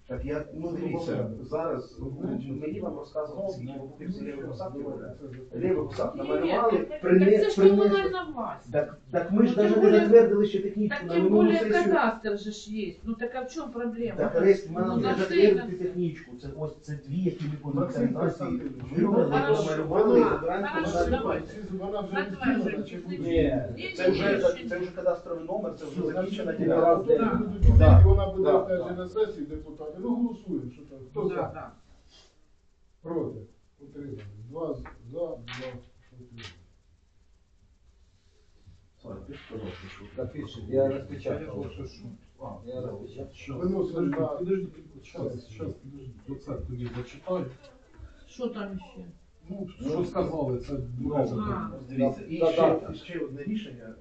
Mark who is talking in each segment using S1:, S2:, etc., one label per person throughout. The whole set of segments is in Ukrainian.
S1: Так я, дивіться, зараз мені вам розказували, скільки випадків з лівих посадки буде. Лівих посадок намалювали,
S2: це ж комунальна власть.
S1: Так ми ж навіть не затвердили ще технічку
S2: Так
S1: на
S2: тем
S1: минулу
S2: более
S1: сесію.
S2: кадастр же ж є. Ну так а в чому проблема?
S1: Так, Рест, ми нам
S2: Ну,
S1: не затвердити технічку. Це ось це дві, які ми по інвентаризації вибрали, намалювали і вибираємо комунальну власність.
S3: Вона вже відділена чи буде?
S1: Ні, це вже кадастровий номер, це вже закінчена
S3: Тобто
S1: ділянка.
S3: вона буде
S1: Да.
S3: опять же на сесії депутатів. Ну голосуємо, що там. Хто за?
S2: Да.
S3: Проти? Утримали. 2 за, 2 проти.
S4: Так, пишет, я распечатал. Я распечатал.
S3: Виносимо на...
S5: Подожди, сейчас, оце тобі зачитаю.
S2: Що там ще?
S5: Ну, що сказали, це
S2: А.
S1: Дивіться, і ще одне рішення.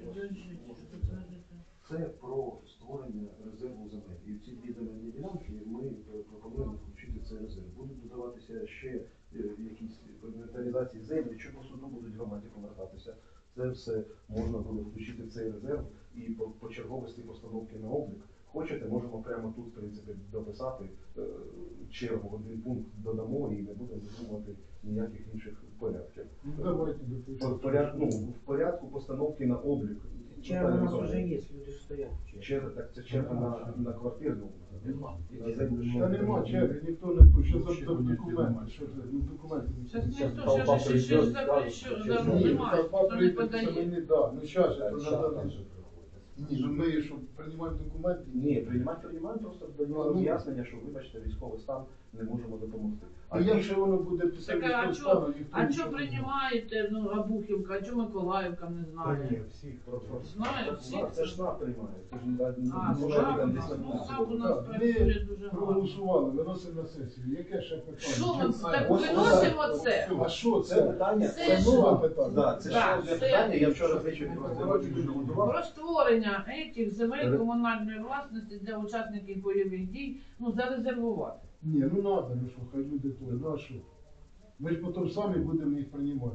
S1: Це про створення резерву земель. І в ці дві земельні ділянки ми пропонуємо включити цей резерв. Будуть додаватися ще якісь інвентаризації землі, що по суду будуть громаді повертатися. Це все можна буде включити в цей резерв і по черговості постановки на облік. Хочете, можемо прямо тут, в принципі, дописати чергу, один пункт додамо і не будемо видумувати ніяких інших порядків.
S3: Ну, давайте допишемо.
S1: В порядку постановки на облік.
S4: Черга у нас уже есть, люди ж стоять.
S1: Черга, так це черга на квартирну. На землю.
S3: Та нема черги, ніхто не тут. Що за документи? Що це? Ну, документи.
S2: Зараз ніхто, ще ж запрещено, немає, хто не подає.
S3: Ну, зараз же, то треба. Ні, ну ми що, приймаємо документи?
S1: Ні, приймаємо, просто даємо роз'яснення, що, вибачте, військовий стан, не можемо допомогти.
S3: А якщо воно буде після
S2: Так, а
S3: військового стану, ніхто
S2: А
S3: нічого
S2: що
S3: не
S2: приймаєте, ну, Обухівка, а чого Миколаївка не знає? Знає всіх?
S1: Це ж СНАП приймає. Це ж не
S2: А,
S1: може
S2: СНАП,
S1: там десь
S2: ну, СНАП у
S1: на
S2: нас працює дуже гарно.
S3: проголосували, виносимо на сесію. Яке ще питання?
S2: Що ми так
S1: Ось
S2: виносимо це?
S3: А що
S1: це
S3: це?
S1: питання.
S2: Це
S3: Це нове питання.
S1: Да, це ще
S2: Так,
S1: одне
S2: це-
S1: питання. Я вчора ввечері дуже готував.
S2: Про створення цих земель комунальної власності для учасників бойових дій, ну, зарезервувати.
S3: Ні, ну треба, ну що, хай люди то, ну а що? Ми ж потім самі будемо їх приймати.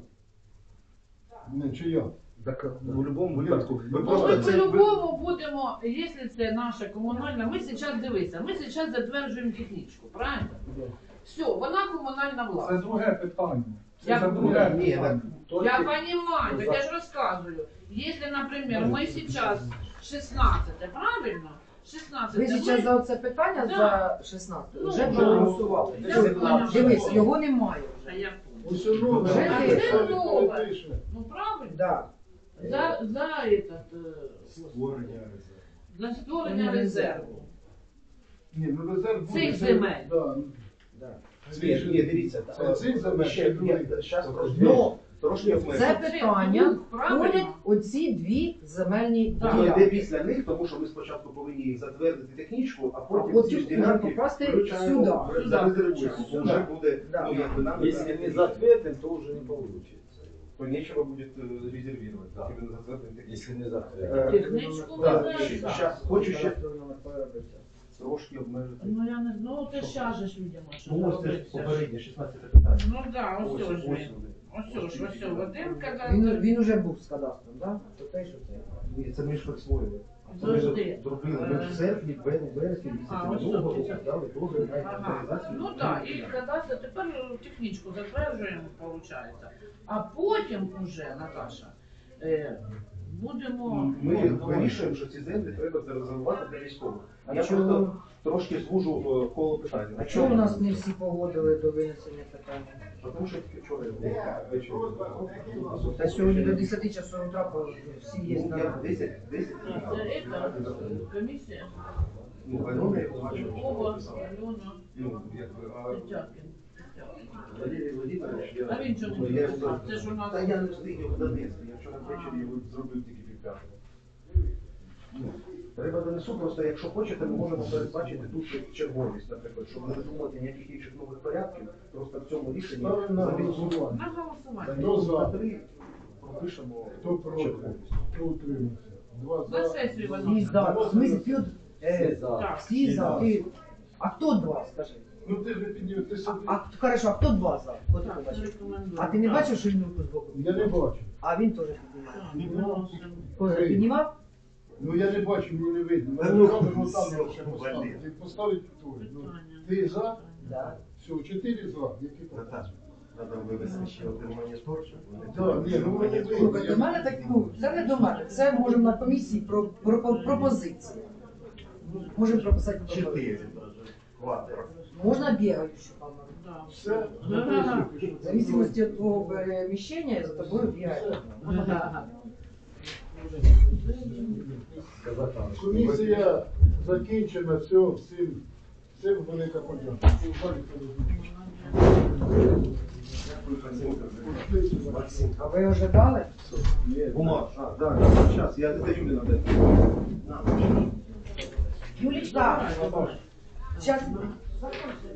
S3: Не, чи я?
S1: Так в будь-якому випадку. Ви
S2: Ну, ми
S1: просто це
S2: по-любому будемо, якщо це наша комунальна, ми зараз дивися, ми зараз затверджуємо технічку, правильно?
S3: Да.
S2: Все, вона комунальна
S5: Це
S2: власність.
S5: друге питання.
S2: Як
S5: Це друге
S1: Ні,
S5: питання.
S2: Я понимаю, так я же рассказываю. Если, например, мы сейчас 16, правильно? 16
S6: Ви зараз за це питання
S2: Да.
S6: за 16
S2: Ну,
S6: вже
S2: ну,
S6: проголосували.
S2: я поняла.
S6: Дивись, його немає
S2: А
S6: вже.
S2: я понял.
S3: Ось нове,
S6: Вже
S3: ми
S6: є.
S3: самі
S2: Нове.
S3: перепишемо.
S2: Ну правильно?
S6: Да.
S2: За этот,
S1: створення
S2: для створення резерву.
S3: Ні, ну резерв буде.
S2: Цих земель.
S3: Да.
S1: Ні, дивіться.
S3: Це цих земель,
S1: Ще
S3: чи других?
S1: зараз
S6: Ну,
S1: трошки
S6: це
S1: обмежено.
S6: питання
S2: Правильно.
S6: входять оці дві земельні
S2: Да.
S1: Воно йде
S6: ділянки.
S1: після них, тому що ми спочатку повинні їх затвердити технічку, а потім
S6: потім
S1: ці ж
S6: вже
S1: ділянки
S6: покласти
S1: включаємо,
S6: сюди.
S1: зарезервуємо. Бо вже буде,
S6: Да.
S1: ну якби нам
S4: Если не затветим, то уже не получится.
S1: то нечего буде резервувати. Так, і ми затвердимо технічку.
S4: Если не затветим.
S2: Технічку
S1: Да,
S2: ми
S1: ще-
S2: знаємо.
S1: щас хочу ще трошки обмежити.
S2: Ну я не знаю, це щас же ж видимо, що
S1: Ну ось це ж
S2: робиться.
S1: попереднє 16 питання.
S2: Ну да, ось ж він.
S1: вони.
S2: Ось Вадим
S6: Він,
S2: казав.
S6: він уже був з кадастром, так? Да? Те, що це.
S1: Ні, це ми ж присвоїли.
S2: Завжди.
S1: Зробили. Ми в серпні, вересні
S2: А,
S1: місяці
S2: ось
S1: минулого
S2: це.
S1: року дали дозвіл на
S2: Ага.
S1: інвентаризацію.
S2: Ну так, і кадастр, тепер технічку затверджуємо, виходить. А потім уже, Наташа, будемо...
S1: Ми вирішуємо, що ці землі треба зарезервувати для військових.
S6: А
S1: Я
S6: чому-
S1: просто трошки звужу коло питання.
S6: А чому у нас не всі погодили до винесення питання?
S1: Тому що тільки вчора ввечері.
S6: Та сьогодні до 10 часу утра всі є
S1: Ну,
S6: на
S1: я 10.
S2: Це комісія.
S1: Ну, Альона я бачу.
S2: Ова, Альона,
S1: Ну, якби, а
S2: Тетякін.
S1: Валерій Володимирович, я...
S2: А він чого
S1: ну,
S2: не
S1: я
S2: написав?
S1: його-
S2: Це ж у нас-
S1: Та я не встиг його донести. Я вчора ввечері його зробив тільки півп'ятого. Ну, треба донесу, просто якщо хочете, ми можемо передбачити тут черговість, наприклад, щоб не видумувати ніяких інших нових порядків, просто в цьому рішенні
S3: Ставимо на
S1: замість
S3: голосування.
S2: На голосування.
S3: Хто за?
S1: на 3 пропишемо
S3: Хто проти?
S1: черговість.
S3: Хто утримався? 2
S2: На
S3: за.
S2: сесію
S6: всі
S2: вони.
S6: за. В смислі, ти от,
S4: Все за.
S2: Так.
S6: всі за. Ти... А хто два, скажи?
S3: Ну ти ж не підняв, ти собі.
S6: Хорошо, а хто два за? Хто ти
S2: Так,
S6: побачив?
S2: рекомендую.
S6: А ти не
S2: Так.
S6: бачив, що він руку з боку?
S3: Я не бачу.
S6: А він теж піднімає.
S2: Так, виносимо.
S6: Хто піднімав?
S3: Ну я не бачу, мені не видно.
S1: Та ну,
S3: Камеру там
S1: все,
S3: ще
S1: блін.
S3: поставити. Поставити тут. Ну.
S2: Питання.
S3: Ти за?
S6: Да.
S3: Все, 4 за. Які там?
S1: Наташа, треба вивести ще один монітор, щоб вони...
S3: Да, ні, ну вони
S6: Слухай, до мене так, ну, це не до мене. Це можемо на комісії пропозиції. Можемо прописати пропозиції.
S1: 4 квадро.
S6: Можна бігаючу камеру.
S2: Да.
S3: Все?
S2: Ага.
S6: В зависимости от твого переміщення за тобою бігає.
S3: Комісія закінчена, все, всім велика подяка.
S1: Максим.
S6: А ви вже дали?
S1: Бумаг. Да, сейчас, я это Юле надо.
S6: Юлічка, зараз